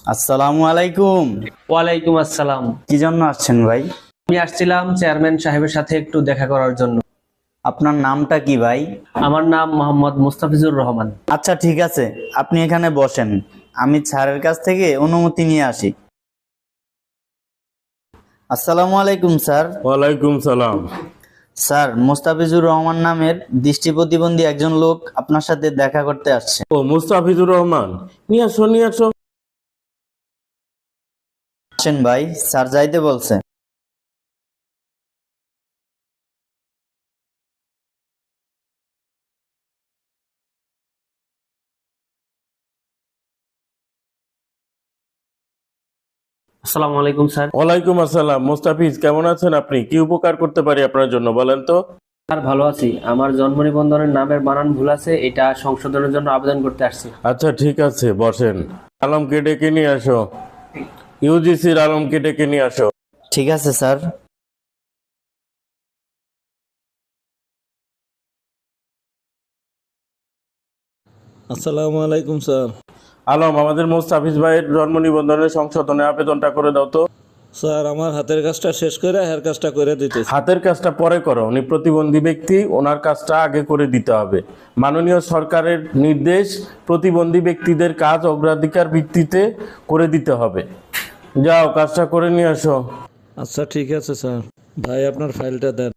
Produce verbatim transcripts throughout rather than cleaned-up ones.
আসসালামু আলাইকুম। ওয়ালাইকুম আসসালাম। কি জন্য আসছেন ভাই? আমি আসছিলাম চেয়ারম্যান সাহেবের সাথে একটু দেখা করার জন্য। আপনার নামটা কি ভাই? আমার নাম মোহাম্মদ মুস্তাফিজুর রহমান। আচ্ছা ঠিক আছে, আপনি এখানে বসেন, আমি স্যারের কাছ থেকে অনুমতি নিয়ে আসি। আসসালামু আলাইকুম স্যার। ওয়ালাইকুম সালাম। স্যার, মোস্তাফিজুর রহমান নামের দৃষ্টি প্রতিবন্ধী একজন লোক আপনার সাথে দেখা করতে আসছে। ও মুস্তাফিজুর রহমান, নিয়ে আসো নিয়ে আসো। আসেন ভাই, স্যার যাইতে বলছে। আসসালামু আলাইকুম স্যার। ওয়ালাইকুম আসসালাম। মুস্তাফিজ, কেমন আছেন আপনি? কি উপকার করতে পারি আপনার জন্য বলেন তো? স্যার ভালো আছি। আমার জন্ম নিবন্ধনের নামের বানান ভুল আছে, এটা সংশোধনের জন্য আবেদন করতে আসছি। আচ্ছা ঠিক আছে, বসেন। আলমকে ডেকে নিয়ে আসো। ইউজিসির আলমকে ডেকে নিয়ে আসো। ঠিক আছে স্যার। আসসালামু আলাইকুম স্যার। আলম, আমাদের মুস্তাফিজ ভাইয়ের জন্ম নিবন্ধনের সংশোধনে আবেদনটা করে দাও তো। স্যার আমার হাতের কাজটা শেষ করে হেয়ার কাজটা করে দিতে। হাতের কাজটা পরে করো, উনি প্রতিবন্ধী ব্যক্তি, ওনার কাজটা আগে করে দিতে হবে। মাননীয় সরকারের নির্দেশ, প্রতিবন্ধী ব্যক্তিদের কাজ অগ্রাধিকার ভিত্তিতে করে দিতে হবে। যাও, কাজটা করে নিয়ে আসো। আচ্ছা ঠিক আছে স্যার। ভাই আপনার ফাইলটা দেন।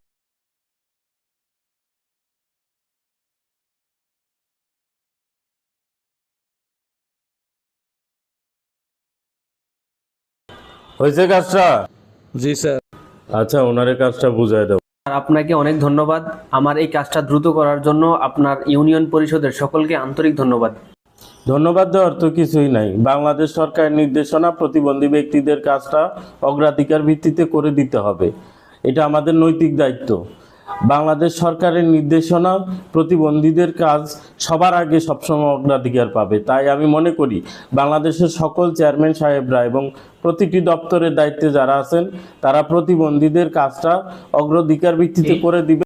হয়েছে কাজটা? জি স্যার। আচ্ছা, ওনারে কাজটা বুঝাই দাও। আর আপনাকে অনেক ধন্যবাদ আমার এই কাজটা দ্রুত করার জন্য। আপনার ইউনিয়ন পরিষদের সকলকে আন্তরিক ধন্যবাদ। ধন্যবাদ দেওয়ার তো কিছুই নাই। বাংলাদেশ সরকারের নির্দেশনা, প্রতিবন্ধী ব্যক্তিদের কাজটা অগ্রাধিকার ভিত্তিতে করে দিতে হবে, এটা আমাদের নৈতিক দায়িত্ব। বাংলাদেশ সরকারের নির্দেশনা, প্রতিবন্ধীদের কাজ সবার আগে সবসময় অগ্রাধিকার পাবে। তাই আমি মনে করি বাংলাদেশের সকল চেয়ারম্যান সাহেবরা এবং প্রতিটি দপ্তরের দায়িত্বে যারা আছেন, তারা প্রতিবন্ধীদের কাজটা অগ্রাধিকার ভিত্তিতে করে দিবে।